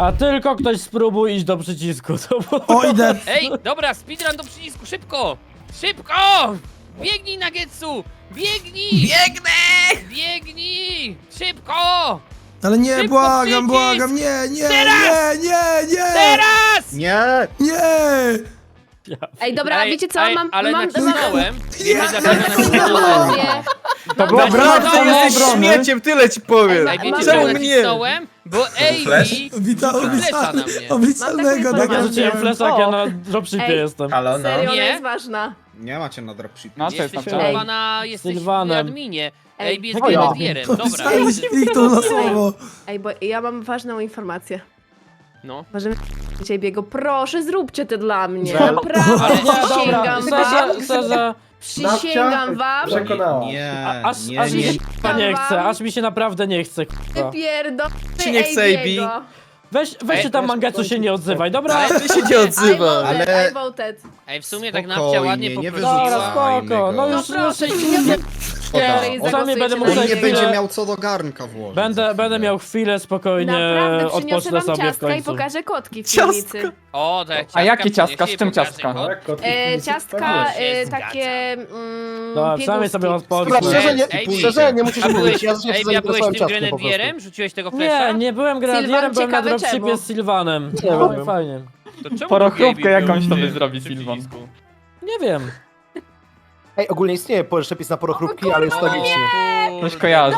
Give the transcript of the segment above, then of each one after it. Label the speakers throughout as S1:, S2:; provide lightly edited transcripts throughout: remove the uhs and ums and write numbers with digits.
S1: A tylko ktoś spróbuj iść do przycisku.
S2: O, idę.
S3: Ej, dobra, speedrun do przycisku, szybko! Szybko! Biegnij, Nuggetsu! Biegnij!
S4: Biegnę!
S3: Biegnij! Szybko!
S2: Ale nie,
S3: Szybko
S2: błagam,
S3: przycisk!
S2: błagam, nie,
S3: Teraz!
S2: nie.
S3: Teraz!
S4: Nie!
S2: Nie!
S5: Ej, dobra, wiecie co? Mam
S3: ale
S5: mam
S3: nacisnąłem. Wiecie
S2: Nie.
S3: dlaczego
S5: taką
S3: nacisnąłem?
S5: informację.
S6: To była
S3: Nacisnąłem.
S6: brama,
S4: Ty jesteś
S6: obrony.
S4: śmieciem, tyle ci powiem!
S3: Ej, wiecie
S5: Mam-
S3: czemu
S4: Czemu mnie?
S3: nacisnąłem? Bo
S4: Flash?
S3: Amy flesza na mnie.
S2: Obliczalnego,
S5: Mam taką
S1: Ja
S2: tak.
S1: rzuciłem flesza, jak ja na dropshipie
S5: Ej.
S1: jestem.
S4: Halo, no.
S5: Serio, ona
S3: Nie?
S5: jest ważna.
S4: Nie macie na dropship.
S6: No, co jest
S3: Jesteś
S6: tam?
S3: chyba na... Jesteś w
S1: Sylwanem.
S3: adminie.
S5: Ej,
S3: Ej, jest
S6: o ja.
S3: grenadierem, dobra.
S2: Obliczalny kliknął na słowo.
S5: Ej, bo ja mam ważną informację.
S3: No.
S5: Możemy biego. Proszę, zróbcie to dla mnie.
S6: Żel.
S5: Naprawdę,
S3: Ale-
S1: Nie, dobra,
S5: przysięgam wam.
S1: szczerze,
S5: Przysięgam wam.
S6: Przekonała.
S4: Nie,
S1: aż
S4: nie,
S1: mi
S4: nie.
S1: się nie chce, aż mi się naprawdę nie chce, k***a.
S5: Pierdolę.
S4: Czy nie chce AB?
S1: Weź się tam Mangetsu się nie odzywaj, dobra?
S3: Ale-
S4: Ty się nie odzywa.
S5: Ale... I voted.
S3: Ej, w sumie tak
S4: Spokojnie,
S3: Nawcia ładnie
S4: nie
S3: poprosiła.
S1: Dobra, spoko, no
S5: No
S1: już
S5: proszę,
S1: nie,
S4: Szkoda.
S1: sami będę
S4: On
S1: musiał
S4: nie
S1: chwilę-
S4: będzie miał co do garnka włożyć.
S1: Będę miał chwilę spokojnie,
S5: Naprawdę przyniosę
S1: odpocznę
S5: wam
S1: sobie w
S5: ciastka i
S1: końcu.
S5: pokażę kotki w
S4: Ciastka.
S5: piwnicy.
S3: O, te ciastka
S6: A jakie ciastka?
S3: przyniesie
S6: Z czym
S3: i pokaże
S6: ciastka?
S3: go.
S5: Ciastka
S3: się
S5: takie
S1: Dobra, przynajmniej sobie odpocznę.
S3: Dobra, szczerze nie-
S4: Ej,
S3: szczerze
S4: nie
S3: A byłeś, ej, ja byłeś tym grenadierem? Rzuciłeś tego flesza?
S1: Nie byłem grenadierem,
S5: Sylwan,
S1: byłem na
S5: ciekawe
S1: dropshipie
S5: czemu.
S1: z Sylwanem.
S6: Nie
S1: No,
S6: wiem.
S1: fajnie.
S3: To czemu
S6: Porochrówkę
S3: Gabe
S6: jakąś
S3: był
S6: sobie
S3: przy-
S6: zrobi
S3: przy
S6: Sylwan.
S3: przycisku?
S1: Nie wiem.
S7: Ej, ogólnie istnieje przepis na porochrówki, ale jest tragiczny.
S6: Coś kojarzę.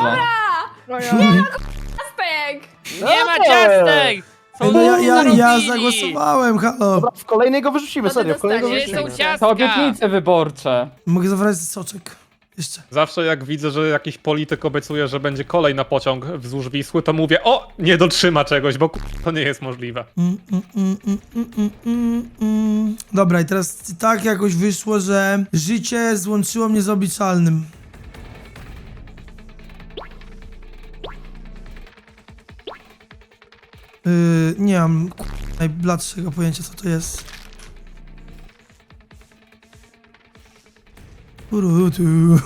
S5: Ciastek!
S3: Nie ma ciastek! Są
S2: No ja
S3: zarobili.
S2: zagłosowałem, halo.
S7: Dobra, w kolejnej go wyrzucimy,
S5: No to
S7: serio, w kolejnej go
S5: dostaniesz.
S3: Gdzie
S7: wyrzucimy.
S3: są ciastka?
S6: To obietnice wyborcze.
S2: Mogę zabrać soczek. Jeszcze.
S8: Zawsze jak widzę, że jakiś polityk obiecuje, że będzie kolej na pociąg wzdłuż Wisły, to mówię, o, nie dotrzyma czegoś, bo to nie jest możliwe.
S2: Dobra, i teraz tak jakoś wyszło, że życie złączyło mnie z obliczalnym. Nie mam najbladszego pojęcia, co to jest. Urutu.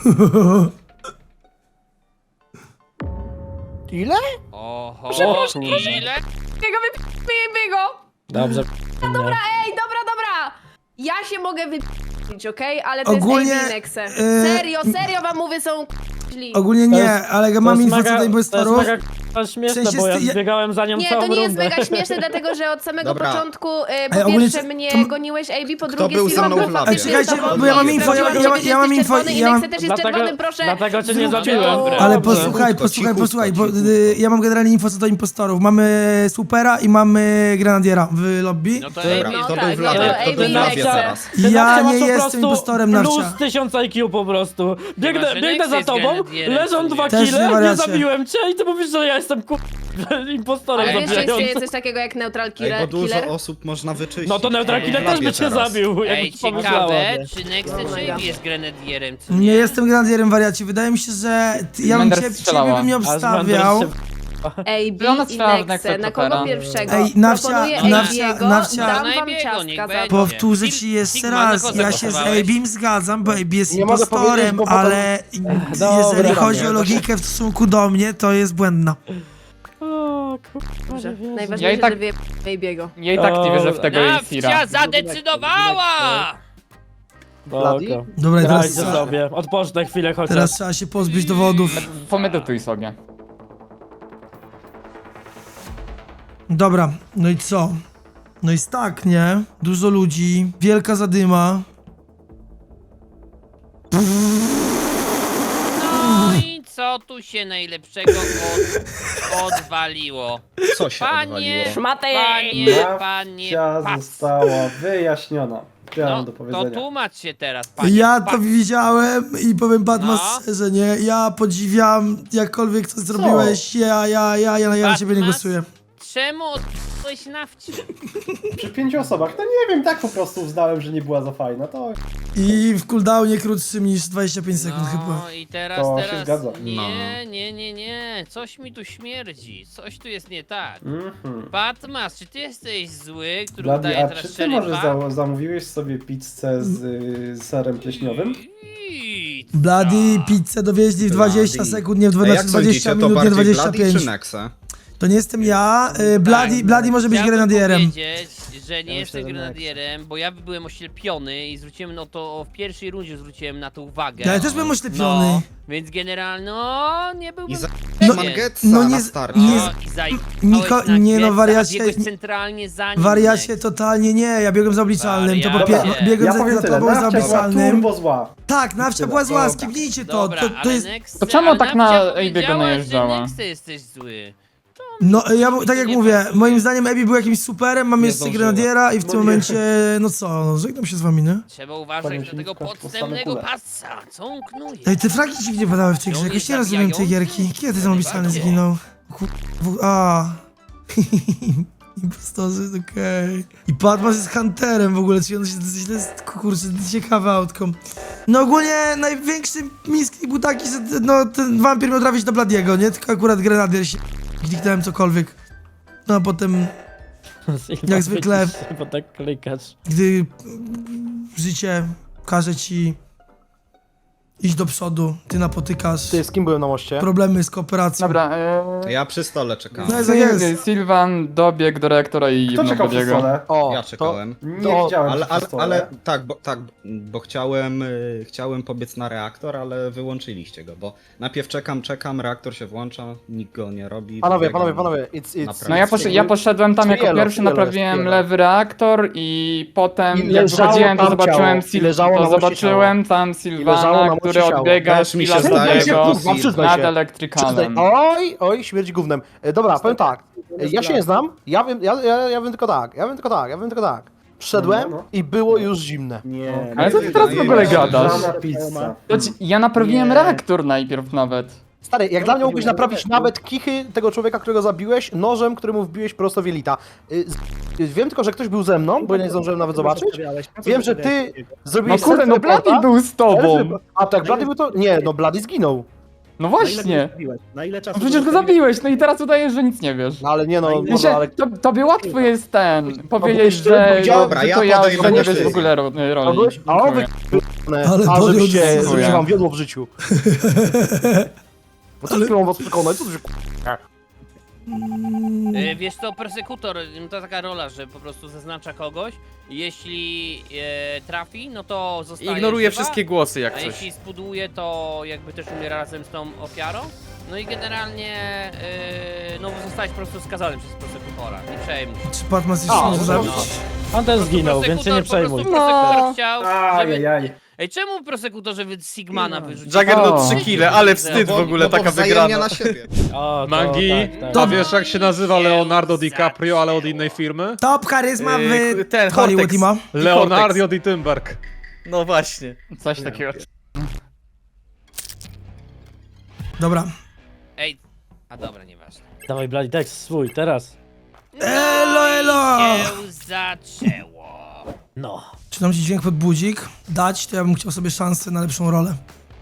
S7: Ile?
S3: Oho,
S5: Przepraszam,
S3: ile?
S5: Biego!
S1: Dobrze.
S5: Ej, dobra! Ja się mogę wypić, okej? Ale to
S2: Ogólnie,
S5: jest AB Nexe. Serio wam mówię, są źli.
S2: Ogólnie
S1: To
S2: nie,
S1: jest-
S2: ale mam info co do
S1: to jest
S2: inwestorów.
S1: mega k***a śmieszne,
S2: W sensie
S1: bo ja
S2: z ty- ja-
S1: zbiegałem za nią
S5: Nie,
S1: całą
S5: to nie jest
S1: rundę.
S5: mega śmieszne, dlatego że od samego
S4: Dobra.
S5: początku
S2: Ej,
S5: po
S2: ogólnie
S5: pierwsze
S2: to-
S5: mnie
S2: to-
S5: goniłeś, AB, po
S4: Kto
S5: drugie
S4: był ze
S5: Sylwan
S4: mną w
S5: był
S4: labie?
S5: faktycznie
S2: Czekajcie,
S5: z tobą,
S2: bo ja mam
S5: i
S2: info,
S5: sprawdziłam,
S2: ja
S5: że
S2: mam
S5: ty
S2: info,
S5: jesteś czerwony i
S2: ja mam-
S5: Nexe też jest czerwonym, proszę.
S1: Dlatego cię nie
S5: zróbcie
S1: zabiłem.
S5: to.
S3: Dobra.
S2: Ale
S1: Dobrze.
S2: posłuchaj, posłuchaj, bo ja mam generalnie info co do impostorów. Mamy supera i mamy grenadiera w lobby.
S3: No to
S1: Dobra.
S3: AB
S5: No
S4: Kto
S5: tak,
S4: był w
S5: no
S4: labie?
S5: to
S4: Kto
S5: AB
S4: był w labie
S5: Nexe.
S4: teraz?
S1: Ty
S2: Ja
S1: Nawcia
S2: nie
S1: masz po
S2: jestem
S1: prostu
S2: impostorem,
S1: plus
S2: Nawcia.
S1: 1000 IQ po prostu.
S3: Chyba, że
S1: Biegnę
S3: Nex
S1: za
S3: jest
S1: tobą,
S3: grenadierem,
S1: leżą
S3: co
S1: dwa
S3: nie?
S2: Też nie
S1: kile, nie
S2: wariacie.
S1: zabiłem cię i ty mówisz, że ja jestem impostorem
S5: Ale wiesz, że istnieje
S1: zabijającym.
S5: coś takiego jak neutral
S4: Ej,
S5: killer?
S4: bo dużo
S5: killer?
S4: osób można wyczyścić.
S1: No to Neutral Killer
S4: W
S1: też
S4: labie
S1: by cię
S4: teraz.
S1: zabił,
S3: Ej,
S1: jakby ci pomyślała.
S3: ciekawe, czy Nexe czy AB jest grenadierem, co
S2: Nie jestem grenadierem, wariacie. Wydaje mi się, że ja bym
S6: Mender
S2: ciebie
S6: strzelała.
S2: bym nie
S1: A z
S2: obstawiał.
S1: Menders
S5: AB
S6: Ona
S5: i
S6: strzelała w
S5: Nexe,
S6: Nexe
S5: na kogo
S6: Chopera.
S5: pierwszego?
S2: Ej, Nawcia,
S5: Proponuję
S2: Nawcia,
S5: AB'ego,
S2: Nawcia.
S5: dam
S3: Na
S5: wam
S3: AB'ego,
S5: ciastka
S3: niech
S5: za
S3: będzie.
S5: to.
S2: Powtórzę ci jeszcze
S3: Sigma, na
S2: raz,
S3: kogo
S2: ja się z
S3: zagłosowałeś?
S2: Abim zgadzam, bo Abi jest
S7: Nie mogę
S2: impostorem,
S7: powiedzieć, bo potem-
S2: ale
S1: Dobra,
S2: jeżeli chodzi
S1: dobra.
S2: o logikę w stosunku do mnie, to jest błędna.
S1: O, kurwa,
S5: Dobrze,
S1: nie wierzę.
S5: najważniejsze,
S6: Ja i tak-
S5: że wie AB'ego.
S6: Ja i tak nie wierzę w tego Isira.
S3: Nawcia zadecydowała!
S1: Dobra.
S2: Dobra, i
S1: Grajcie
S2: teraz,
S1: sobie, odpocznę chwilę chociaż.
S2: teraz trzeba się pozbyć dowodów.
S6: Pomedytuj sobie.
S2: Dobra, no i co? No jest tak, nie? Dużo ludzi, wielka zadyma.
S3: No i co tu się najlepszego odwaliło?
S4: Co się
S3: Panie,
S4: odwaliło?
S5: Szmatę!
S3: panie,
S9: Nawcia została wyjaśniona. Tyle mam do
S3: to
S9: powiedzenia.
S3: tłumacz się teraz, panie.
S2: Ja to widziałem i powiem Batmas
S3: No.
S2: szczerze, nie? Ja podziwiam, jakkolwiek to zrobiłeś, ja na ciebie nie
S3: Batmas?
S2: głosuję.
S3: Czemu odbyłeś Nawci?
S9: Przy 5 osobach, to nie wiem, tak po prostu uznałem, że nie była za fajna, to
S2: I w cooldownie krótszym niż 25 sekund chyba.
S3: No i teraz,
S9: To się zgadza.
S3: Nie, coś mi tu śmierdzi, coś tu jest nie tak.
S9: Mhm.
S3: Batmas, czy ty jesteś zły, który
S9: Blady,
S3: udaje
S9: a
S3: teraz
S9: czy ty może
S3: szeryfa?
S9: zamówiłeś sobie pizzę z serem pleśniowym?
S2: Bloody pizzę dowieźli w 20
S4: Bloody.
S2: sekund, nie w
S4: A jak
S2: 20
S4: sądzicie, to
S2: minut, nie
S4: bardziej Bloody
S2: 25.
S4: czy Nexe?
S2: To nie jestem ja, Bloody może być
S3: Chciałbym
S2: grenadierem.
S3: powiedzieć, że nie jestem grenadierem, bo ja byłem oślepiony i zwróciłem no to w pierwszej rundzie zwróciłem na to uwagę.
S2: Ja też byłem oślepiony.
S3: No, więc generalnie no nie byłbym
S4: I za
S2: No,
S4: Mangetsa
S2: no
S4: na
S2: nie-
S4: starcie.
S2: nie-
S3: O, i zajebałeś
S2: Niko-
S3: na
S2: nie no,
S3: Getsa,
S2: wariacie-
S3: a biegłeś centralnie za nim.
S2: Wariacie
S3: Nex.
S2: totalnie nie, ja biegłem za obliczalnym, to po
S3: Wariacie.
S2: biegłem
S9: Ja
S2: za
S9: powiem tyle,
S2: tobą za
S9: nawcia była
S2: obliczalnym.
S9: turbo zła.
S2: Tak, nawcia była zła, skipnijcie to,
S3: Dobra,
S2: to jest...
S3: Nex,
S6: To czemu
S3: ale
S6: tak na
S3: Nawcia
S6: Abiego
S3: powiedziała,
S6: najeżdżała?
S3: że Nex, ty jesteś zły.
S2: No, tak jak
S3: nie
S2: mówię,
S3: pasuje.
S2: moim zdaniem Ebi był jakimś superem, mam
S4: Nie
S2: jeszcze
S4: zdążyła.
S2: grenadiera i w tym
S9: No nie.
S2: momencie, no co, no, żegnam się z wami, nie?
S3: Trzeba uważać
S9: Panie
S3: na tego
S9: Śliwka,
S3: podstępnego
S9: postawę
S3: pasa, co on knuje.
S2: Ej, te fragi dziwnie padały w tej grze,
S3: On
S2: jakoś
S3: jest
S2: nie rozumiem tej
S3: zabijający?
S2: gierki. Kiedy ten obliczalny
S3: Najbardziej.
S2: zginął? A. Impostorzy, okej. I Patmas jest hunterem w ogóle, czyli on się źle jest, kurczę, ciekawe autką. No ogólnie największy miski był taki, że no ten wampir miał trafić do Bladiego, nie? Tylko akurat grenadier się kliknąłem cokolwiek. No a potem, Jak zwykle.
S1: Bo tak klikasz.
S2: gdy życie każe ci iść do przodu, ty napotykasz
S7: Ty, z kim byłem na moście?
S2: problemy z kooperacją.
S6: Dobra,
S4: Ja przy stole czekałem.
S2: No jest, jak jest.
S6: Sylwan dobiegł do reaktora i
S9: Kto
S6: jebnął
S9: czekał przy
S6: Bladiego.
S9: stole?
S7: O,
S4: Ja czekałem.
S9: Nie
S7: To-
S9: widziałem
S4: Ale,
S9: przy
S4: ale,
S9: stole.
S4: ale tak, bo chciałem pobiec na reaktor, ale wyłączyliście go, bo najpierw czekam, reaktor się włącza, nikt go nie robi.
S7: Panowie,
S4: dobiegam.
S7: panowie, it's...
S4: Naprawdę.
S6: No ja poszedłem tam jako
S7: Cielo,
S6: pierwszy,
S7: cielo,
S6: naprawiłem
S7: cielo.
S6: lewy reaktor i potem
S7: I
S6: jak
S7: leżało
S6: wychodziłem to
S7: tam
S6: zobaczyłem,
S7: ciało. I leżało na moście
S6: zobaczyłem tam
S7: leżało na
S6: Sylwana,
S7: moście
S6: który
S7: ciało.
S6: odbiega
S4: Też mi się
S6: chwila
S4: zdaje, że
S6: Bladiego
S4: to Sylwan.
S7: przyznaj
S6: nad
S7: się.
S6: elektrykalem.
S7: Oj, śmierdzi gównem. Dobra, powiem tak. Ja się nie znam, ja wiem tylko tak. Wszedłem
S9: No.
S7: i było już zimne.
S9: Nie.
S6: Ale co ty teraz w ogóle gadasz?
S9: Żadna pizza.
S6: Ja naprawiłem
S9: Nie.
S6: reaktor najpierw nawet.
S7: Stary, jak dla mnie mógłbyś naprawić nawet kichy tego człowieka, którego zabiłeś, nożem, któremu wbiłeś prosto w jelita. Wiem tylko, że ktoś był ze mną, bo ja nie zdążyłem nawet zobaczyć. Wiem, że ty
S6: No
S7: zrobiłeś
S6: kurde, no Bladi był z tobą.
S7: A tak, Blady był to... Nie, no Blady zginął.
S6: No właśnie.
S10: Na ile
S6: No
S10: czasu?
S6: przecież go zabiłeś, no i teraz udajesz, że nic nie wiesz.
S7: No ale nie no,
S6: Wiesz,
S7: no ale...
S6: tobie łatwo jest powiedzieć,
S7: szczerze
S6: że
S7: powiedziałem,
S4: dobra, ja
S6: że nie
S4: podejmę
S6: wiesz w
S4: decyzję.
S6: ogóle
S7: A
S6: roli.
S7: byłeś? A o wy...
S2: Ale
S7: A
S2: podjął
S7: żebyście,
S2: decyzję.
S7: żebyście wam wiodło w życiu. Bo co ty mam was przekonać? Co ty się
S3: Wiesz co, persekutor to taka rola, że po prostu zaznacza kogoś. Jeśli trafi, no to zostaje
S11: Ignoruje
S3: żywa,
S11: wszystkie głosy jak
S3: a
S11: coś.
S3: jeśli spuduje, to jakby też umiera razem z tą ofiarą. No i generalnie, no zostałeś po prostu skazany przez persekutora, nie przejmuj się.
S2: Czy Patmas
S7: A,
S2: jeszcze
S7: no
S2: może
S7: to-
S2: zabić?
S1: On też zginął, więc się nie przejmuj.
S3: Po prostu persekutor chciał, żeby...
S9: Ajajaj.
S3: Ej, czemu prosekutorze Sigmana wyrzucił?
S11: Juggernaut
S6: O.
S11: 3 kile, ale wstyd w ogóle, taka
S4: wzajemnie
S11: wygrana.
S4: na siebie.
S1: O, to
S8: Mangi,
S1: tak,
S8: a
S1: tak.
S8: wiesz jak się nazywa Leonardo DiCaprio, ale od innej firmy?
S2: Top charyzma w
S11: ten
S2: Hollywood
S11: Cortex.
S2: ma.
S8: Leonardo Di Timberg.
S11: No właśnie.
S6: Coś takiego.
S2: Dobra.
S3: Ej, a dobra, nieważne.
S1: Dawaj Bloody Dex, swój, teraz.
S2: Elo!
S3: Się zaczęło.
S1: No.
S2: Czy nam się dźwięk pod budzik dać, to ja bym chciał sobie szansę na lepszą rolę.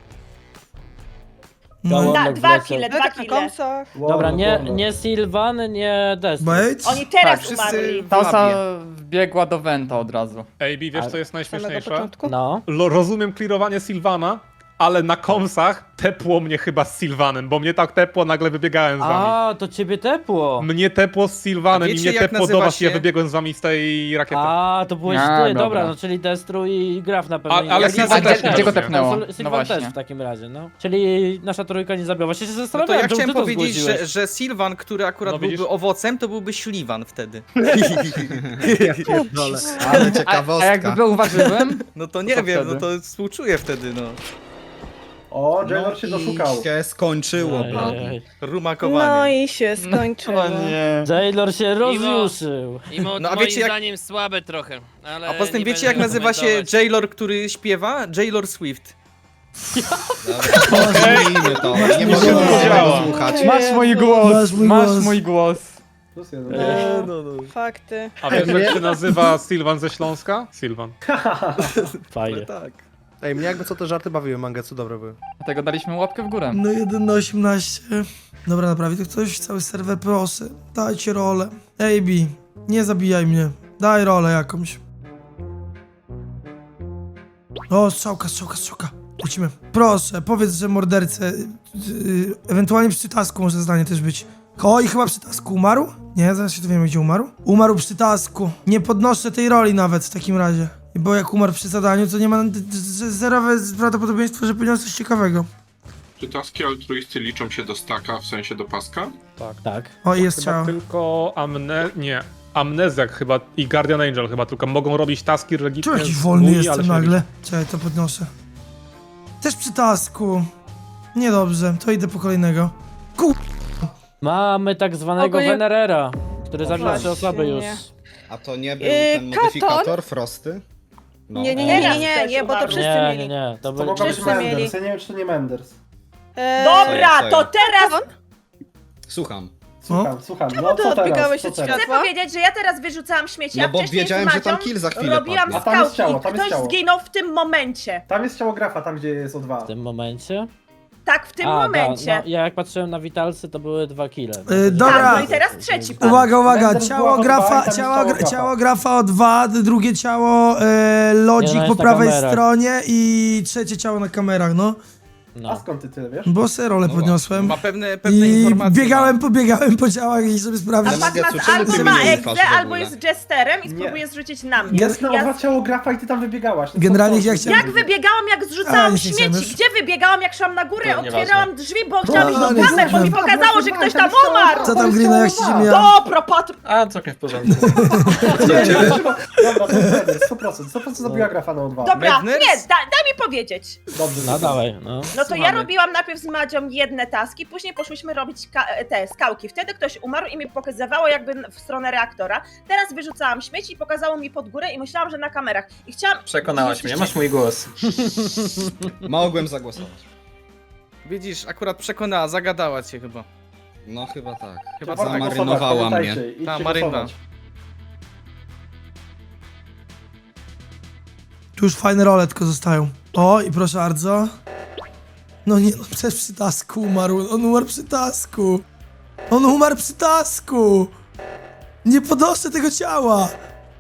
S2: No,
S1: Gołąbek
S5: Dwa
S1: wlecał.
S5: kile,
S12: No
S5: dwa
S12: tak na
S5: kile.
S12: kąsach.
S1: Dobra, nie Sylvan, nie Destro.
S2: Bait?
S5: Oni teraz
S11: wszyscy
S5: umarli.
S11: w
S6: Ta
S11: labie.
S6: osoba wbiegła do Venta od razu.
S8: AB, wiesz co jest
S12: Samego
S8: najśmieszniejsze?
S12: początku.
S1: No.
S8: Rozumiem clearowanie Sylwana, ale na komsach tepło mnie chyba z Sylwanem, bo mnie tak tepło, nagle wybiegałem z wami.
S1: A, to ciebie tepło.
S8: Mnie tepło z Sylwanem
S11: A
S8: i
S11: wiecie,
S8: mnie
S11: jak
S8: tepło do
S11: nazywa
S8: was i ja
S11: się-
S8: wybiegłem z wami z tej rakiety.
S1: A, to byłeś
S6: A,
S1: ty,
S6: dobra.
S1: dobra, no czyli Destru i Graf na pewno.
S8: Ale
S1: Jak
S8: Sylvan
S1: Sylvan
S8: też nie
S6: Gdzie go
S8: rozumiem.
S6: tepnęło?
S1: No,
S6: No
S1: Sylvan też
S6: właśnie.
S1: w takim razie, no. Czyli nasza trójka nie zabiła. Właśnie się
S11: No to
S1: zastanawiałem,
S11: ja
S1: czemu
S11: chciałem
S1: ty to
S11: powiedzieć,
S1: zgłosiłeś.
S11: że Sylvan, który akurat
S8: No widzisz?
S11: byłby owocem, to byłby śliwan wtedy.
S4: Ale
S6: A jakby
S4: ciekawostka.
S6: był warzywem?
S11: No to nie
S6: Co
S11: wiem,
S6: wtedy?
S11: no to współczuję wtedy, no.
S9: O, Jailor się
S4: i
S9: doszukał.
S4: się skończyło,
S1: Ej,
S4: Blady.
S1: ej.
S11: Rumakowanie.
S12: No i się skończyło.
S6: O nie.
S1: Jailor się rozjuszył.
S3: I
S11: No, a
S3: moim
S11: wiecie, jak-
S3: zdaniem słabe trochę, ale
S11: A poza tym
S3: nie
S11: wiecie
S3: będę
S11: jak nazywa się
S3: komentować.
S11: Jailor, który śpiewa? Jailor Swift.
S4: Pozmijmy to, nie możemy
S2: Działa.
S4: tego słuchać.
S6: Masz mój głos,
S2: Masz mój
S6: masz
S2: głos.
S6: mój głos.
S9: Plus jeden.
S12: Fakty.
S8: A wiesz jak się nazywa Sylwan ze Śląska? Sylwan.
S1: Fajnie.
S11: Tak.
S7: Ej, mnie jakby co te żarty bawiły, Mangetsu, dobre były.
S6: Dlatego daliśmy łapkę w górę.
S2: No 1 na 18. Dobra, naprawi to ktoś, cały serwer, proszę. Dajcie rolę. AB, nie zabijaj mnie. Daj rolę jakąś. O, strzałka. Lecimy. Proszę, powiedz, że mordercę. Ewentualnie przy tasku może zdanie też być. I chyba przy tasku umarł? Nie, zaraz się dowiemy, gdzie umarł. Umarł przy tasku. Nie podnoszę tej roli nawet w takim razie. Bo jak umarł przy zadaniu, to nie ma zerowe prawdopodobieństwo, że powiedział coś ciekawego.
S10: Czy taski altruisty liczą się do staka, w sensie do paska?
S1: Tak.
S2: O, i jest
S8: Chyba
S2: ciało.
S8: tylko Amnezjak chyba i Guardian Angel chyba tylko mogą robić taski religijne.
S2: Czemu jakiś
S8: z
S2: wolny
S8: GUI, ale
S2: jestem
S8: się
S2: nagle? Czekaj, to podnoszę. Też przy tasku. Niedobrze, to idę po kolejnego.
S1: Mamy tak zwanego
S12: Ogólnie-
S1: Venerera, który
S12: No
S1: zabił 3
S12: właśnie,
S1: osoby już.
S12: nie.
S4: A to nie był ten
S12: Katon?
S4: modyfikator Frosty? No.
S12: Nie, bo to wszyscy mieli.
S1: Nie, to
S9: To
S1: był...
S9: mogła być
S12: Wszyscy mieli.
S9: Menders, ja nie wiem, czy to nie Menders.
S5: Dobra,
S4: Co
S5: to
S4: jest?
S5: teraz
S4: Słucham.
S9: Słucham,
S12: Czemu
S9: no
S12: ty
S9: co
S12: odbiegałeś
S9: teraz?
S12: od
S9: Co teraz?
S5: chcę powiedzieć, że ja teraz wyrzucałam śmieci,
S4: No
S5: a
S4: bo
S5: wcześniej
S4: wiedziałem,
S5: z
S4: że tam
S5: Madzią
S4: kill za chwilę
S5: robiłam
S4: padnie.
S9: A tam jest
S5: skałki
S9: ciało,
S5: i
S9: tam jest
S5: ktoś
S9: ciało.
S5: zginął w tym momencie.
S9: Tam jest ciało grafa, tam gdzie jest O2.
S1: W tym momencie?
S5: Tak, w tym momencie.
S1: No, ja jak patrzyłem na witalsy, to były 2 kile.
S2: dobra.
S5: Tak, no i teraz trzeci pan.
S2: Uwaga,
S9: Menders
S2: ciało
S9: była
S2: grafa,
S9: O2 i tam jest ciało
S2: ciało grafa o 2, drugie ciało
S1: Nie,
S2: lodzik
S1: no,
S2: po
S1: jest na
S2: prawej
S1: kamerach.
S2: stronie i trzecie ciało na kamerach, no.
S9: A
S1: No.
S9: skąd ty tyle wiesz?
S2: Bo se rolę
S4: No
S2: podniosłem.
S11: Ma pewne
S2: I
S11: informacje.
S2: biegałem po ciałach i sobie
S5: A
S2: sprawdzić.
S4: Ale Magia,
S5: Patmas
S4: czemu
S5: albo
S4: ty
S5: ma
S4: mnie nie
S5: egzę,
S4: ufasz w
S5: albo
S4: ogóle?
S5: jest jesterem i
S9: Nie.
S5: spróbuje zrzucić na mnie.
S9: Jest na O2 ciało grafa i ty tam wybiegałaś. No
S2: Generalnie
S9: co
S2: ja
S9: to?
S2: chciałem-
S5: Jak wybiegałam, jak
S2: A,
S5: zrzucałam
S2: nie chciałem
S5: śmieci?
S2: już.
S5: Gdzie wybiegałam, jak szłam na górę?
S1: To
S5: Otwierałam drzwi, bo chciałam iść
S2: No,
S5: do
S2: nie
S5: kamer, bo mi
S2: znam.
S5: pokazało, że ktoś tam umarł!
S2: Co tam, Grino, jak ci się mija?
S5: Dobra, Patr...
S1: A, całkiem w porządku.
S9: Dobra, to jest Menders, 100% zabiła grafa na O2.
S5: Dobra,
S11: Madness?
S5: nie, daj mi powiedzieć.
S9: Dobrze,
S1: No dawaj, no.
S5: No to ja
S11: Słuchamy.
S5: robiłam najpierw z Madzią jedne taski, później poszłyśmy robić te skałki. Wtedy ktoś umarł i mi pokazywało jakby w stronę reaktora. Teraz wyrzucałam śmieci i pokazało mi pod górę i myślałam, że na kamerach. I chciałam...
S1: Przekonałaś mnie, masz mój głos.
S4: Mogłem zagłosować.
S11: Widzisz, akurat przekonała, zagadała cię chyba.
S4: No chyba tak.
S11: Chyba
S9: Warto
S11: tak.
S9: głosować,
S4: Zamarynowała mnie.
S9: pamiętajcie, idźcie
S11: Ta marynna.
S9: głosować.
S2: Tu już fajne role tylko zostają. O, i proszę bardzo. No nie, no przecież przy tasku umarł. On umarł przy tasku. On umarł przy tasku. Nie podnoszę tego ciała.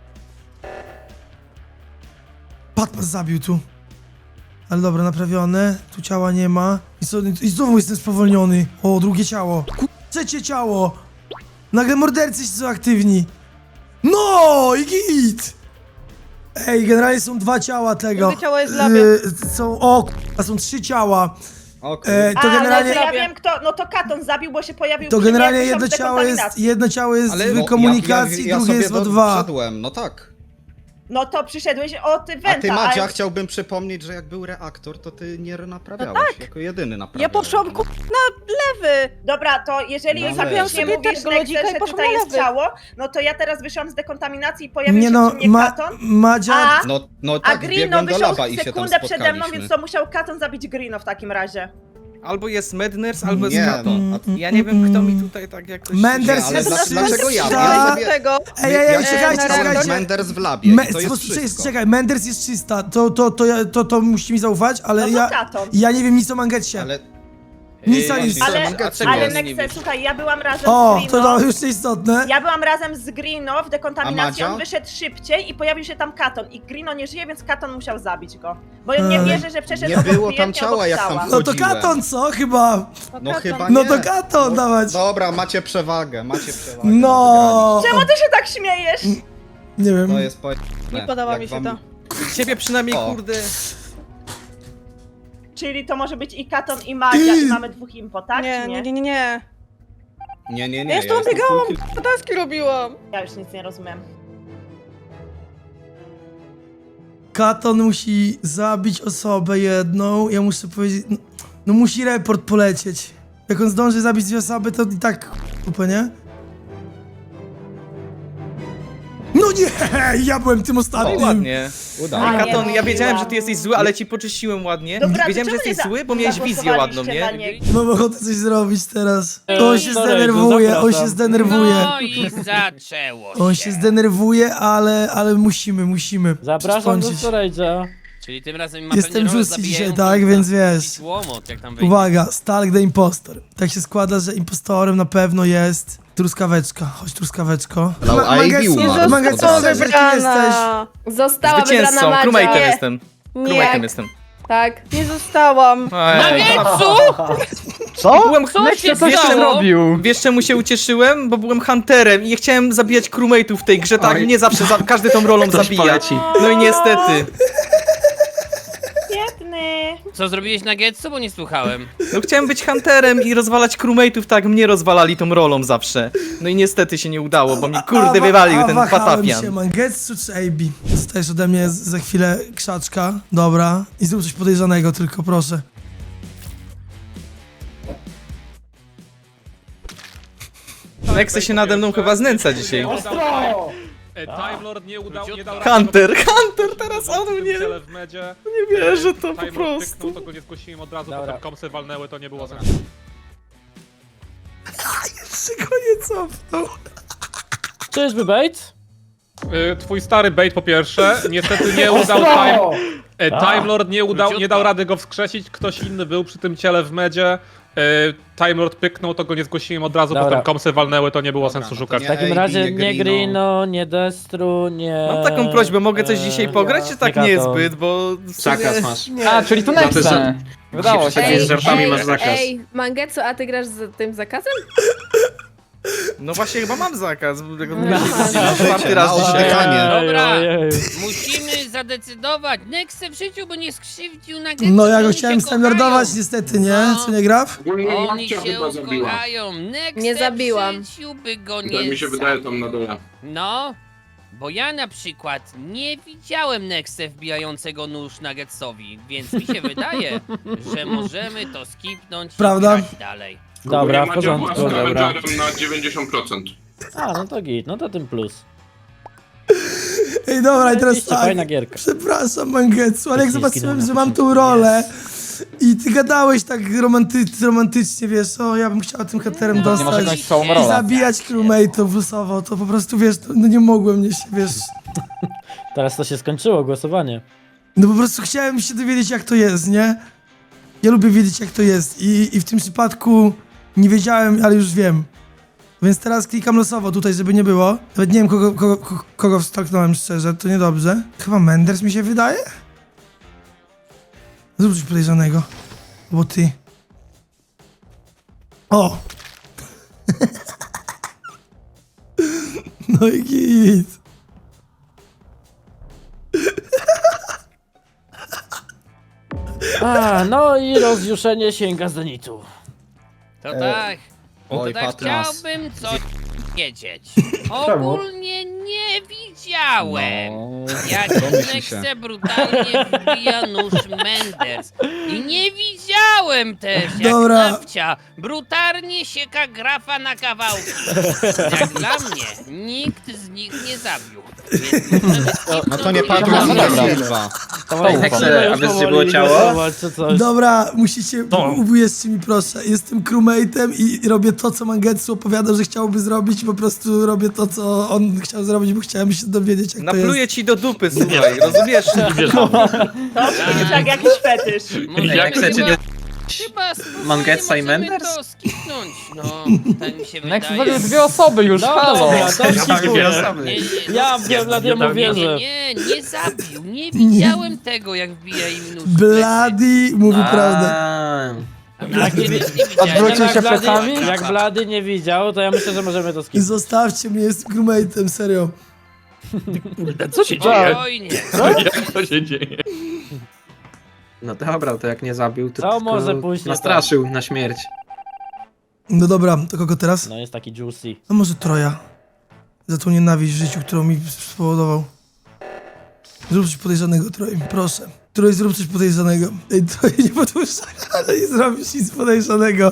S2: Patmas zabił tu. Ale dobra, naprawione. Tu ciała nie ma. I znowu jestem spowolniony. O, drugie ciało. Trzecie ciało. Nagle mordercy są aktywni. No i git. Ej, generalnie są 2 ciała tego.
S12: Drugie ciało jest w labie.
S2: Są 3 ciała.
S4: O kurde.
S2: To generalnie,
S5: no to ja wiem kto, no to Katon zabił, bo się pojawił
S2: to
S5: przy mnie,
S2: generalnie
S5: jak
S2: jedno
S5: wyszłam z
S2: ciało jest
S11: Ale-
S2: w
S11: No,
S2: komunikacji, drugie
S4: sobie
S2: jest w O2.
S4: wszedłem, no tak.
S5: No to przyszedłeś o ty
S4: A
S5: Wenta,
S4: ty, Madzia,
S5: ale...
S4: chciałbym przypomnieć, że jak był reaktor, to ty nie naprawiałeś. Jako jedyny naprawiałeś.
S12: Ja poszłam
S4: no.
S12: na lewy.
S5: Dobra, to jeżeli
S4: No
S5: już
S4: weź.
S5: nie
S12: Sobie
S5: mówisz,
S12: tego lodzika
S5: Nexer,
S12: i
S5: że
S12: poszłam
S5: tutaj
S12: na
S5: jest
S12: lewy.
S5: ciało, no to ja teraz wyszłam z dekontaminacji i pojawił
S2: Nie
S5: się
S2: no,
S5: przy mnie Katon,
S2: Madzia...
S5: a...
S4: No
S5: A
S4: tak,
S5: Grino
S4: biegłem do
S5: wyszedł
S4: laba i się tam
S5: sekundę przede mną,
S4: spotkaliśmy.
S5: więc to musiał Katon zabić Grino w takim razie.
S11: Albo jest Madness, albo jest
S4: Nie,
S11: Katon.
S4: no.
S11: Ja nie wiem, kto mi tutaj tak jakoś...
S2: Menders
S4: Nie, ale
S2: jest
S4: dlaczego ja?
S2: czysta.
S4: Ja
S12: Do tego.
S2: Ej,
S12: na
S2: czekajcie,
S12: reaktorze.
S2: czekajcie.
S4: Menders w labie, i to jest wszystko.
S2: Czekaj, Menders jest czysta, to musicie mi zaufać, ale
S5: No to
S2: ja...
S5: Katon.
S2: Ja nie wiem nic o Mangetcie.
S4: Ale
S2: Nic o
S11: Właśnie,
S2: nic.
S5: Ale,
S11: a czego
S5: ale
S11: nie
S5: Nexer,
S11: wiesz?
S5: słuchaj, ja byłam razem
S2: O,
S5: z
S2: to
S5: Grino.
S2: już istotne.
S5: Ja byłam razem z Grino w dekontaminacji,
S4: A Madzia?
S5: on wyszedł szybciej i pojawił się tam Katon. I Grino nie żyje, więc Katon musiał zabić go. Bo nie wierzę, że przeszedł
S4: nie
S5: obok
S4: było tam
S5: klientnie,
S4: ciała,
S5: obok
S4: jak tam
S5: ciała.
S2: No to
S4: Chodziłem.
S2: Katon, co? Chyba.
S4: no chyba
S2: No
S4: nie.
S2: to Katon dawać.
S4: Dobra, macie przewagę, wygraliście.
S2: No.
S5: Czemu ty się tak śmiejesz?
S2: Nie wiem.
S4: To jest
S12: Nie podoba mi się to.
S11: Ciebie przynajmniej,
S4: O.
S11: kurde...
S5: Czyli to może być i Katon i Madzia i mamy 2 impo, tak?
S12: Nie,
S5: czy
S12: nie, nie, nie, nie.
S4: Nie.
S12: Ja już tam
S4: jestem
S12: biegałam,
S4: full
S12: taski robiłam.
S5: Ja już nic nie rozumiem.
S2: Katon musi zabić osobę jedną. Ja muszę powiedzieć. No musi report polecieć. Jak on zdąży zabić 2 osoby, to i tak kupę, nie? No nie! Ja byłem tym
S11: O,
S2: ostatnim.
S11: ładnie.
S4: Udało.
S5: A, nie,
S11: Katon,
S5: no,
S11: ja wiedziałem, że
S5: ładnie.
S11: ty jesteś zły, ale ci poczyściłem ładnie.
S5: Dobra, to
S11: Wiedziałem, że
S5: czemu
S11: jesteś
S5: nie
S11: zły, bo miałeś wizję ładną,
S5: zagłosowaliście
S11: nie?
S5: na niego?
S2: Mam ochotę coś zrobić teraz.
S1: Ej,
S2: On się
S1: sorry,
S2: zdenerwuje,
S1: to
S2: on się
S1: zapraszam.
S2: zdenerwuje.
S3: No i zaczęło
S2: On się zdenerwuje, ale musimy.
S1: Zapraszam do
S2: przystąpić.
S1: storage'a.
S3: Czyli tym razem ma
S2: Jestem
S3: pewnie rolę
S2: Justy dzisiaj,
S3: zabijającą
S2: tak?
S3: za
S2: Więc wiesz.
S3: jakiś łomot, jak tam wejdzie.
S2: Uwaga, Stalk the Impostor. Tak się składa, że impostorem na pewno jest truskaweczka. Chodź, truskaweczko.
S4: No, a Ivy umarł.
S2: Mangetsu,
S4: Od razu.
S2: kim jesteś?
S5: Została
S11: Zwycięzcą, crewmate'em jestem.
S5: Nie.
S11: Crewmate'em jestem.
S12: Tak, nie zostałam.
S3: Nagetsu!
S7: Co?
S11: Byłem
S3: Co się
S6: Co się
S3: stało?
S6: zrobił?
S11: Wiesz czemu się ucieszyłem? Bo byłem hunterem i chciałem zabijać crewmate'ów w tej grze, tak? Nie zawsze, każdy tą rolą zabija. No i niestety.
S5: Biedny.
S3: Co zrobiłeś na Getsu, bo nie słuchałem.
S11: No chciałem być hunterem i rozwalać crewmate'ów, tak mnie rozwalali tą rolą zawsze. No i niestety się nie udało, bo mi kurde wywalił ten
S2: wahałem
S11: patapian.
S2: się, Mangetsu czy AB? Dostajesz ode mnie za chwilę krzaczka. Dobra. I zrób coś podejrzanego tylko, proszę.
S11: Nexe się nade mną chyba znęca dzisiaj.
S8: Time Lord nie dał
S11: Hunter teraz on mnie.
S8: w medzie.
S11: Nie wierzę to po
S8: Time Lord
S11: prostu.
S8: pyknął, to go nie zgłosiłem od razu,
S1: Dobra.
S8: potem komsy walnęły, to nie było sensu.
S2: Jeszcze go nie cofnął.
S1: Czyżby bait?
S8: Twój stary bait po pierwsze, niestety nie udał Time Lord nie dał rady go wskrzesić, ktoś inny był przy tym ciele w medzie. Time Lord pyknął, to go nie zgłosiłem od razu,
S1: Dobra.
S8: potem komsy walnęły, to nie było
S4: Dobra,
S8: sensu
S4: no to
S8: szukać.
S1: W takim
S4: AB,
S1: razie
S4: nie
S1: nie
S4: Greeno.
S1: Greeno, nie Destru, nie...
S11: Mam taką prośbę, mogę coś dzisiaj pograć, czy tak
S1: nie Kato.
S11: niezbyt, bo... w sumie-
S10: Zakaz masz.
S6: A, czyli to Nexe. Wydało się.
S10: Ej, z żartami masz zakaz.
S12: Ej, Mangetsu, a ty grasz z tym zakazem?
S11: No właśnie chyba mam zakaz, bo tego
S12: No.
S11: czwarty raz
S4: Mało
S11: dzisiaj.
S4: pytanie.
S3: Dobra.
S1: Ojej.
S3: Musimy zadecydować. Nexe w życiu by nie skrzywdził na Getsu.
S2: No ja go
S3: oni
S2: chciałem
S3: się
S2: standardować
S3: kochają.
S2: niestety, nie?
S3: No.
S2: Co nie graf?
S3: Oni się ukochają. Nexe
S12: Nie zabiłam.
S3: w życiu by go nie
S10: Tak mi się wydaje tam na dole.
S3: No, bo ja na przykład nie widziałem Nexe wbijającego nóż na Getsowi, więc mi się wydaje, że możemy to skipnąć
S2: Prawda?
S3: i grać dalej.
S1: Dobra, w porządku,
S10: Macie
S1: dobra.
S10: Avengerem na 90%.
S1: A, no to git, no to tym plus.
S2: Ej, dobra, i teraz
S1: Oczywiście,
S2: tak.
S1: fajna gierka.
S2: Przepraszam, Mangetsu, ale jak
S1: Techniczki
S2: zobaczyłem,
S1: na
S2: że mam tą rolę i ty gadałeś tak romantycznie, wiesz, o, ja bym chciał tym haterem
S6: Nie masz
S2: dostać
S6: jakąś całą
S2: i
S6: rolę.
S2: zabijać crewmate'ów losowo, to po prostu, wiesz, no nie mogłem mnie się, wiesz,
S1: Teraz to się skończyło, głosowanie.
S2: no po prostu chciałem się dowiedzieć, jak to jest, nie? Ja lubię wiedzieć, jak to jest i w tym przypadku nie wiedziałem, ale już wiem. Więc teraz klikam losowo tutaj, żeby nie było. Nawet nie wiem, kogo wstalknąłem szczerze, to niedobrze. Chyba Menders mi się wydaje? Zrób coś podejrzanego. Bo ty. O! No i git.
S1: A, no i rozjuszenie sięga zenitu.
S3: To tak,
S4: Oj,
S3: to tak
S4: Patras.
S3: chciałbym coś wiedzieć. Ogólnie nie widziałem, jak
S4: Domyśl się.
S3: Nexe brutalnie wbija nóż Menders. I nie widziałem też, jak
S2: Dobra.
S3: Nawcia brutalnie sieka grafa na kawałki. Jak dla mnie, nikt z nich nie zabił. Więc możemy
S4: No to nie
S3: skipnąć
S4: Patras,
S6: No
S4: nie
S6: dobra.
S4: Silva.
S1: Nexe, a wiesz, gdzie było ciało? Czy coś.
S2: Dobra, musicie, uwierzcie mi proszę, jestem crewmate'em i robię to, co Mangetsu opowiadał, że chciałby zrobić i po prostu robię to, co on chciał zrobić, bo chciałem się dowiedzieć, jak to jest.
S11: Napluję ci do dupy, słuchaj, rozumiesz?
S5: To jest tak jakiś fetysz.
S3: Może
S10: Jak chcecie, nie-
S3: Chyba spokojnie
S10: Mangetsa i
S3: możemy
S10: Menders?
S3: to skipnąć, no, tak mi się
S6: Nexe
S3: wydaje.
S6: zabił 2 osoby już,
S1: No
S6: halo.
S1: dobra, to skipuję.
S3: Nie, nie,
S1: Ja Bladiemu wierzę.
S3: nie zabił, nie widziałem tego, jak wbija im nóż. w plecy.
S2: Bloody mówi prawdę.
S3: Jak nie widziałem.
S6: Odwrócił się plecami?
S1: Jak Blady nie widział, to ja myślę, że możemy to skipnąć.
S2: Zostawcie mnie, jestem crewmate'em, serio.
S8: Co się
S3: Spokojnie.
S8: Jak to się dzieje?
S10: No dobra, to jak nie zabił, to
S1: Co
S10: tylko
S1: może pójść nie
S10: nastraszył na śmierć.
S2: No dobra, to kogo teraz?
S1: No jest taki juicy.
S2: No może Troja. Za tą nienawiść w życiu, którą mi spowodował. Zrób coś podejrzanego, Troj, proszę. Troj, zrób coś podejrzanego. Ej, Troj, nie podpuszczaj, ale nie zrobisz nic podejrzanego.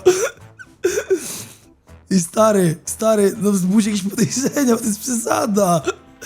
S2: I stary, no wzbudź jakieś podejrzenia, bo to jest przesada.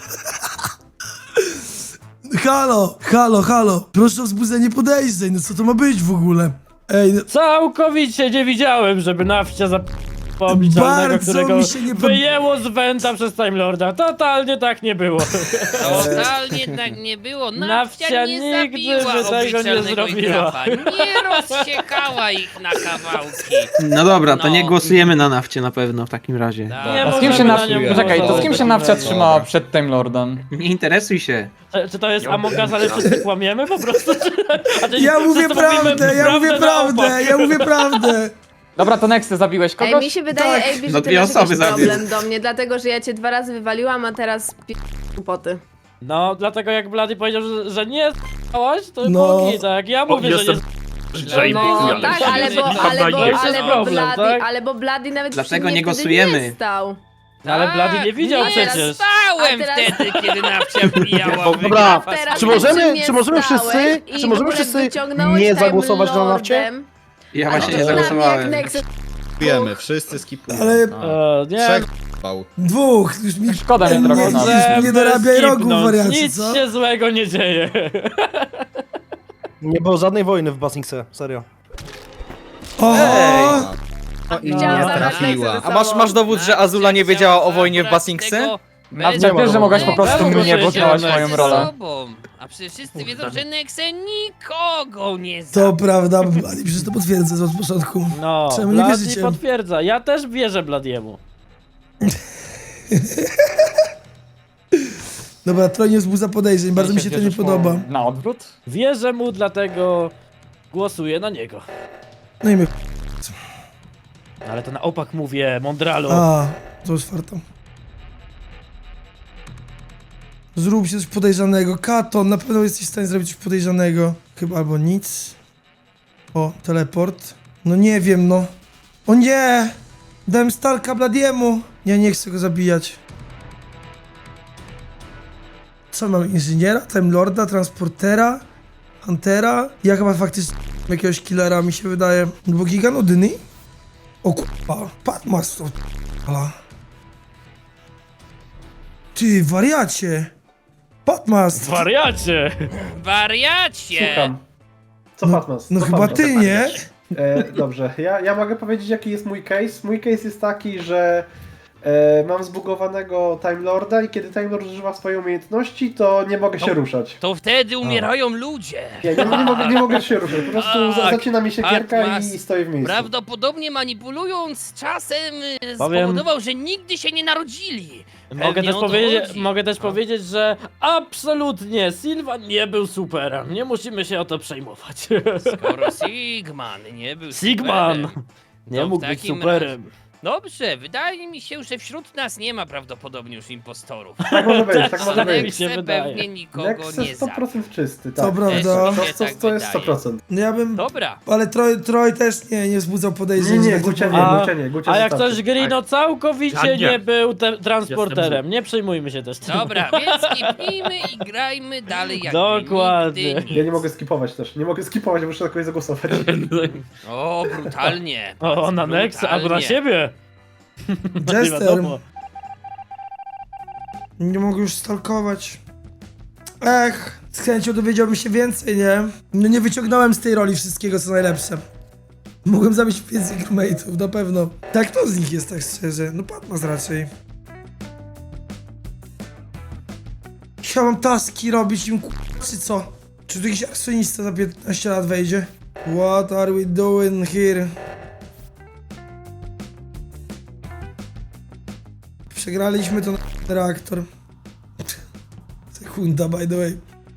S2: Halo. Proszę o wzbudzenie podejrzeń, no co to ma być w ogóle? Ej, no,
S1: Całkowicie nie widziałem, żeby Nawcia obliczalnego,
S2: Bardzo
S1: którego
S2: mi się nie
S1: wyjęło z Wenta przez Time Lorda. Totalnie tak nie było.
S3: Totalnie tak nie było.
S1: Nawcia
S3: Nawcia nie
S1: nigdy
S3: zabiła
S1: by tego nie
S3: obliczalnego i
S1: zrobiła.
S3: grafa. Nie rozsiekała ich na kawałki.
S6: No dobra, to
S3: No.
S6: nie głosujemy na nafcie na pewno w takim razie.
S3: Tak.
S1: Nie
S6: A
S1: z kim się
S6: możemy
S1: na nią
S6: Poczekaj, to z kim się
S1: głosować.
S6: nafcia
S1: Dobra.
S6: trzymała przed Time Lordem? Nie interesuj się.
S1: Czy to jest Among Us, ale wszyscy kłamiemy po prostu? Czy
S2: Ja mówię
S1: wszyscy mówimy
S2: prawdę, ja mówię
S1: na
S2: prawdę,
S1: opak?
S2: ja mówię prawdę.
S6: Dobra, to Nexty, zabiłeś
S12: Ej,
S6: kogoś?
S12: mi się wydaje,
S2: Tak.
S12: Ejbi, że
S6: No
S12: ty
S6: dwie
S12: masz
S6: osoby
S12: jakiś
S6: zabił.
S12: problem do mnie, dlatego że ja cię 2 razy wywaliłam, a teraz poty.
S1: No, dlatego jak Blady powiedział, że nie s***łaś, to
S2: No.
S1: było tak. Ja mówię, że nie
S12: No tak, ale bo
S1: problem, tak?
S12: Blady nawet
S6: Dlatego
S12: przy mnie
S6: nie
S12: wtedy
S6: głosujemy.
S12: Nie stał.
S1: Ale Blady nie widział
S3: nie
S1: przecież.
S3: Stałem
S12: A teraz-
S3: wtedy, kiedy Nawcia wbijała w
S7: Dobra,
S3: grafa.
S12: Teraz
S7: Czy możemy-
S12: przy mnie
S7: czy możemy
S12: stałeś
S7: wszyscy-
S12: i
S7: czy
S12: w
S7: możemy
S12: ogóle
S7: wszyscy
S12: wyciągnąłeś
S7: nie
S12: Time
S7: zagłosować na nafcie?
S12: Lordem.
S6: Ja właśnie nie
S12: A dla mnie jak
S6: zagłosowałem.
S12: Nexus
S4: Skipujemy, wszyscy skipujemy.
S2: Ale-
S1: Nie,
S4: Trzech bał.
S2: Dwóch, już mi...
S6: Szkoda mi trochę
S2: Nie,
S6: nas.
S2: już nie dorabiaj rogów,
S1: skipnąć.
S2: wariacie,
S1: Nic
S2: co?
S1: się złego nie dzieje.
S7: Nie było żadnej wojny w Basingse, serio.
S2: O!
S12: Chciałam zabrać
S4: trafiła.
S12: Nexusa
S11: A
S12: ze sobą.
S11: masz dowód, że Azula nie wiedziała o wojnie w
S3: Zabrać
S11: Basingse?
S3: tego
S6: Nawcia, wiesz, że mogłaś po prostu
S1: Czemu
S6: mnie, bo
S1: głosujecie
S6: znałaś
S1: na
S6: moją
S3: ze
S6: rolę.
S3: sobą. A przecież wszyscy wiedzą, że Nexe nikogo nie
S2: To
S3: zabił.
S2: prawda, ale przecież to potwierdzę od początku.
S1: No,
S2: Czemu nie
S1: Blady
S2: wierzycie?
S1: potwierdza. Ja też wierzę Bladiemu.
S2: Dobra, trochę nie wzbudza podejrzeń, bardzo mi się to nie
S6: Wierzysz mu
S2: podoba.
S6: Na odwrót?
S1: Wierzę mu, dlatego głosuję na niego.
S2: No i my...
S1: Ale to na opak mówię, Mondralu.
S2: A, to już farto. Zrób się coś podejrzanego. Katon, na pewno jesteś w stanie zrobić coś podejrzanego. Chyba albo nic. O, teleport. No nie wiem, no. O nie! Dałem Starka Bladiemu. Nie chcę go zabijać. Co mam? Inżyniera, Time Lorda, Transportera, Huntera? Ja chyba faktycznie jakiegoś killera mi się wydaje. No bo Giga nudny? O kurwa, Patmas to ala. Ty, wariacie! Patmas!
S1: Wariacie!
S3: Wariacie!
S9: Co Fatmas?
S2: No
S9: Co
S2: chyba
S9: Fatmas?
S2: ty, nie?
S9: Dobrze, ja mogę powiedzieć jaki jest mój case. Mój case jest taki, że mam zbugowanego Time Lorda i kiedy Time Lord używa swojej umiejętności, to nie mogę się ruszać.
S3: To wtedy umierają ludzie.
S9: Nie mogę się ruszać, po prostu
S3: Tak,
S9: zacina mi się gierka
S3: Patmas.
S9: i stoję w miejscu.
S3: Prawdopodobnie manipulując czasem
S1: Powiem-
S3: spowodował, że nigdy się nie narodzili.
S1: Mogę
S3: Pewnie
S1: też,
S3: o to
S1: powiedzieć,
S3: chodzi.
S1: mogę też powiedzieć, że absolutnie Sylvan nie był superem. Nie musimy się o to przejmować.
S3: Skoro Sigman nie był
S1: Sigman!
S3: superem,
S1: Nie
S3: to w
S1: mógł być
S3: takim
S1: superem.
S3: Dobrze, wydaje mi się, że wśród nas nie ma prawdopodobnie już impostorów.
S9: Tak może być, tak
S1: A
S9: może być.
S1: mi się
S3: Nexe
S1: wydaje.
S3: pewnie nikogo
S9: Nexe
S3: nie zabił.
S9: 100% czysty,
S2: To
S9: tak.
S2: prawda.
S3: Też mi się tak
S9: To jest
S3: wydaje.
S9: 100%.
S2: No ja bym...
S3: Dobra.
S2: Ale Troj też nie wzbudzał podejrzeń. że
S9: Nie,
S2: tak to
S9: Gucia
S2: powiem.
S9: nie, Gucia
S1: A jak
S9: zostawcie.
S1: ktoś Grino całkowicie
S10: Ja nie.
S1: nie był transporterem. Nie przejmujmy się też tym.
S3: Dobra, więc skipnijmy i grajmy dalej jak
S1: Dokładnie.
S3: nigdy
S9: Ja nie
S3: nic.
S9: mogę skipować też. Nie mogę skipować, muszę na kogoś zagłosować.
S3: O, brutalnie.
S1: O, na Nexa, albo na
S3: brutalnie.
S1: siebie. Nie
S2: Jester.
S1: wiadomo.
S2: Nie mogę już stalkować. Ech, z chęcią dowiedziałbym się więcej, nie? No nie wyciągnąłem z tej roli wszystkiego, co najlepsze. Mogłem zabić więcej crewmate'ów, na pewno. Tak, kto z nich jest, tak szczerze? No Patmas raczej. Ja mam taski robić im czy co? Czy tu jakiś akcjonista za 15 lat wejdzie? What are we doing here? Przegraliśmy to na reaktor. Sekunda, by the way.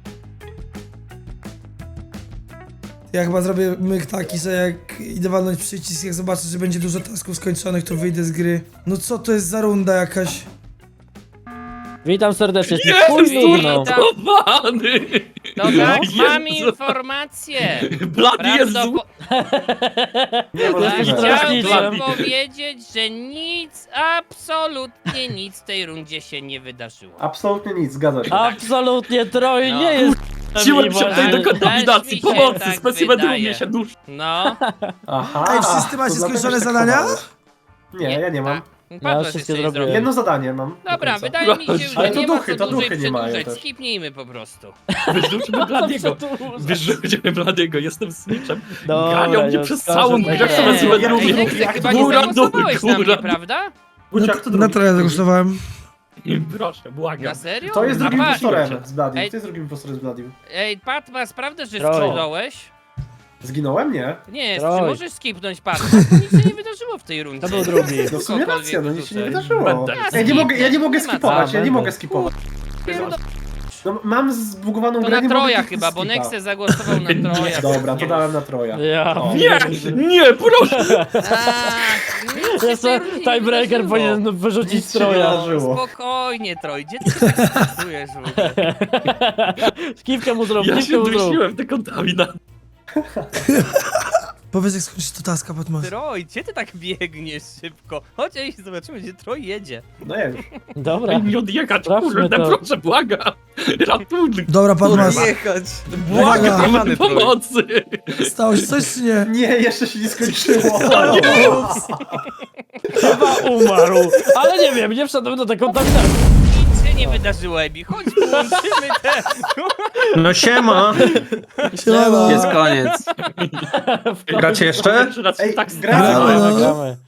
S2: Ja chyba zrobię myk taki, że jak idę walnąć przycisk, jak zobaczę, że będzie dużo tasków skończonych, to wyjdę z gry. No co to jest za runda jakaś?
S1: Witam serdecznie. Chuj stuknął.
S3: Witam. To tak, mam informację.
S1: Blady jest
S3: Prawdopo-
S2: Jesteś
S1: straszniczem.
S3: Chciałbym powiedzieć, że nic, absolutnie nic w tej rundzie się nie wydarzyło.
S9: Absolutnie nic, zgadza się.
S1: Absolutnie Troj
S3: No.
S1: nie jest.
S3: Siłem się
S1: tutaj do
S3: kontaminacji, pomocy, specimen mnie się
S1: dusz.
S3: No.
S9: Aha.
S2: Ej, wszyscy macie
S9: to dlatego
S2: skończone
S9: się tak
S2: zadania?
S9: chowałeś. Nie, ja nie mam.
S3: Patmas
S1: wszystkie
S3: jeszcze nie
S1: zrobiłem.
S3: zrobił.
S9: Jedno zadanie mam. do
S3: Dobra,
S9: końca.
S3: wydaje mi się, że
S9: Ale to
S3: nie ma
S9: duchy,
S3: co
S9: to
S3: dłużej
S9: duchy nie mają
S3: przedłużać.
S9: też.
S3: Skipnijmy po prostu.
S13: Wyrzućmy Bladiego. Wyrzućmy Bladiego, jestem snitchem.
S1: Dobra,
S13: Ganiał mnie
S1: ja
S13: przez
S1: skażę
S13: całą
S1: tak.
S13: grę,
S3: Nie,
S13: sobie złe drugi.
S3: Ej, Nexe, chyba nie
S13: Góra,
S3: zagłosowałeś na mnie,
S13: góra.
S3: prawda?
S9: Gucia, kto
S2: Na
S9: drugi?
S2: troje zagłosowałem.
S13: Proszę, błagam.
S3: Na serio?
S9: To jest drugim
S3: Pa-
S9: impostorem z Bladim.
S3: Ej.
S9: To jest drugim impostorem z Bladim.
S3: Ej, Patmas, prawda, że
S1: Troj.
S3: skipnąłeś?
S9: Zginąłem? Nie.
S3: Nie,
S1: Troj.
S3: czy możesz skipnąć Patmas, bo nic się nie wydarzyło w tej rundzie.
S1: To był drugi.
S9: No w sumie
S3: Kogokolwiek
S9: racja, no nic się nie
S3: wyrzucę.
S9: wydarzyło.
S13: Będę.
S9: Ja nie mogę
S3: Nie ma
S9: skipować,
S1: co.
S9: ja nie mogę
S1: Będę.
S9: skipować.
S3: Pierdol-
S9: No, mam zbugowaną
S3: To
S9: grę,
S3: na
S9: nie mogę
S3: Troja
S9: kliknąć
S3: chyba, bo
S9: skipa.
S3: Nexe zagłosował na Troja.
S9: Dobra, to dałem na Troja.
S1: Ja
S9: O.
S13: Nie, nie, proszę.
S1: Jeszcze tiebreaker powinien wyrzucić
S9: Nic się nie
S1: Troja.
S9: wydarzyło.
S3: Spokojnie, Troj, gdzie ty się tak stresujesz w ogóle?
S1: Kiwkę mu zrób,
S13: Ja
S1: kiwkę
S13: się
S1: mu zrób.
S13: dusiłem te kontaminacje.
S2: Powiedz, jak skończysz to taska, Patmas.
S3: Troj, gdzie ty tak biegniesz szybko? Chodź, ej, zobaczymy, gdzie Troj jedzie.
S9: No ja już.
S1: Dobra.
S13: Daj mi odjechać,
S1: Sprawdźmy
S13: kurde,
S1: to.
S13: proszę, błagam. Ratunek,
S2: Dobra, Patmas.
S11: Jechać.
S13: błagam,
S11: Kochany Troj.
S13: pomocy.
S2: Stało się coś, czy nie?
S9: Nie, jeszcze się nie skończyło.
S1: Chyba umarł. Ale nie wiem, nie wszedłem do tej kontaminacji.
S3: Nic się nie wydarzyło, Ebi, chodź, połączymy te...
S6: No siema!
S2: Siema.
S6: Jest koniec.
S1: Gracie
S6: jeszcze?
S9: Ej,
S13: Tak,
S9: gramy.
S2: Gramy, no.
S1: Gramy.